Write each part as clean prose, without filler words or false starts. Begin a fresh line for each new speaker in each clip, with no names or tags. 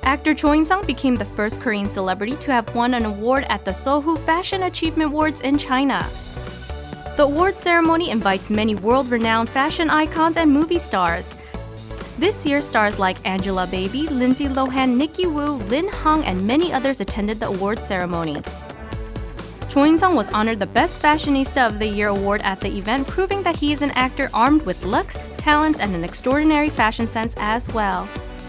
Actor Cho In-sung became the first Korean celebrity to have won an award at the Sohu Fashion Achievement Awards in China. The award ceremony invites many world-renowned fashion icons and movie stars. This year, stars like Angela Baby, Lindsay Lohan, Nikki Wu, Lin Hung, and many others attended the awards ceremony. Cho In-sung was honored the Best Fashionista of the Year award at the event, proving that he is an actor armed with looks, talents, and an extraordinary fashion sense as well.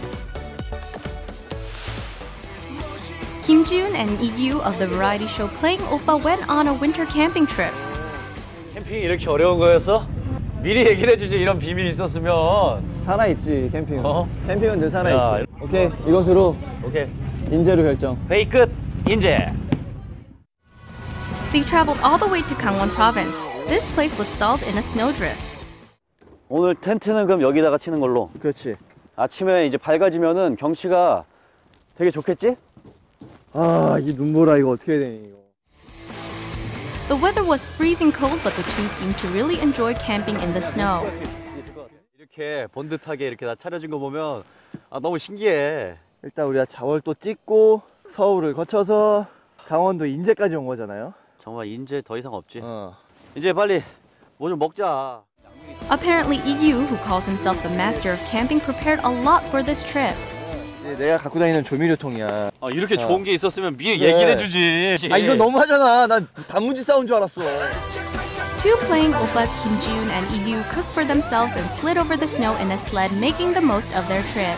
Kim Ji-yoon and Lee Gi-woo of the variety show Playing Oppa went on a winter camping trip.
캠핑이 이렇게 어려운 거였어? 미리 얘기를 해주지. 이런 비밀이 있었으면.
살아있지 캠핑은. 캠핑은 늘 살아있지. 오케이, 이것으로
오케이.
인재로 결정.
회의 끝. 인재.
They traveled all the way to Gangwon Province. This place was stalled in a snowdrift.
오늘 텐트는 그럼 여기다가 치는 걸로.
그렇지.
아침에 이제 밝아지면은 경치가 되게 좋겠지?
아, 이 눈보라 이거 어떻게 해야 되니 이거.
The weather was freezing cold, but the two seemed to really enjoy camping in the snow.
이렇게 번듯하게 이렇게 다 차려진 거 보면 너무 신기해.
일단 우리가 자월도 찍고 서울을 거쳐서 강원도 인제까지 온 거잖아요.
정말 인제 더 이상 없지. 이제 빨리 뭐 좀 먹자.
Apparently, Lee Gi-woo, who calls himself the master of camping, prepared a lot for this trip.
내가 갖고 다니는 조미료통이야.
이렇게 좋은 게 있었으면 미리 얘기를 해주지.
이거 너무하잖아. 난 단무지 싸운 줄 알았어.
Two Playing Oppas, Kim Ji-yoon and Lee Gi-woo, cooked for themselves and slid over the snow in a sled, making the most of their trip.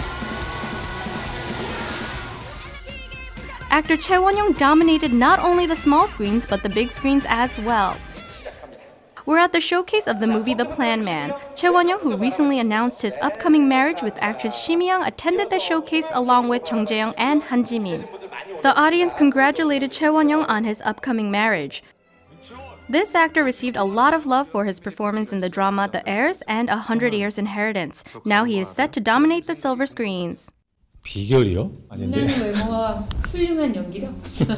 Actor Choi Won-young dominated not only the small screens but the big screens as well. We're at the showcase of the movie The Plan Man. Choi Won-young, who recently announced his upcoming marriage with actress Shi Mi-young, attended the showcase along with Chung Jae-young and Han Ji-min. The audience congratulated Choi Won-young on his upcoming marriage. This actor received a lot of love for his performance in the drama The Heirs and 100 Years Inheritance. Now he is set to dominate the silver screens.
비결이요? 아닌데.
외모와 훌륭한 연기력?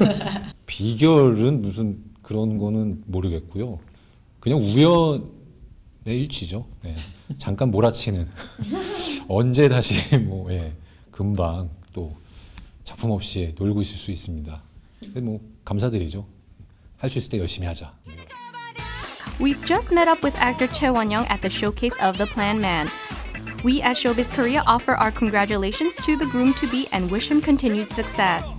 비결은 무슨 그런 거는 모르겠고요. 그냥 우연의 일치죠. 네. 잠깐 몰아치는. 언제 다시 금방 또 작품 없이 놀고 있을 수 있습니다. 감사드리죠. 할 수 있을 때 열심히 하자.
We've just met up with actor Choi Won-young at the showcase of The Plan Man. We at Showbiz Korea offer our congratulations to the groom-to-be and wish him continued success.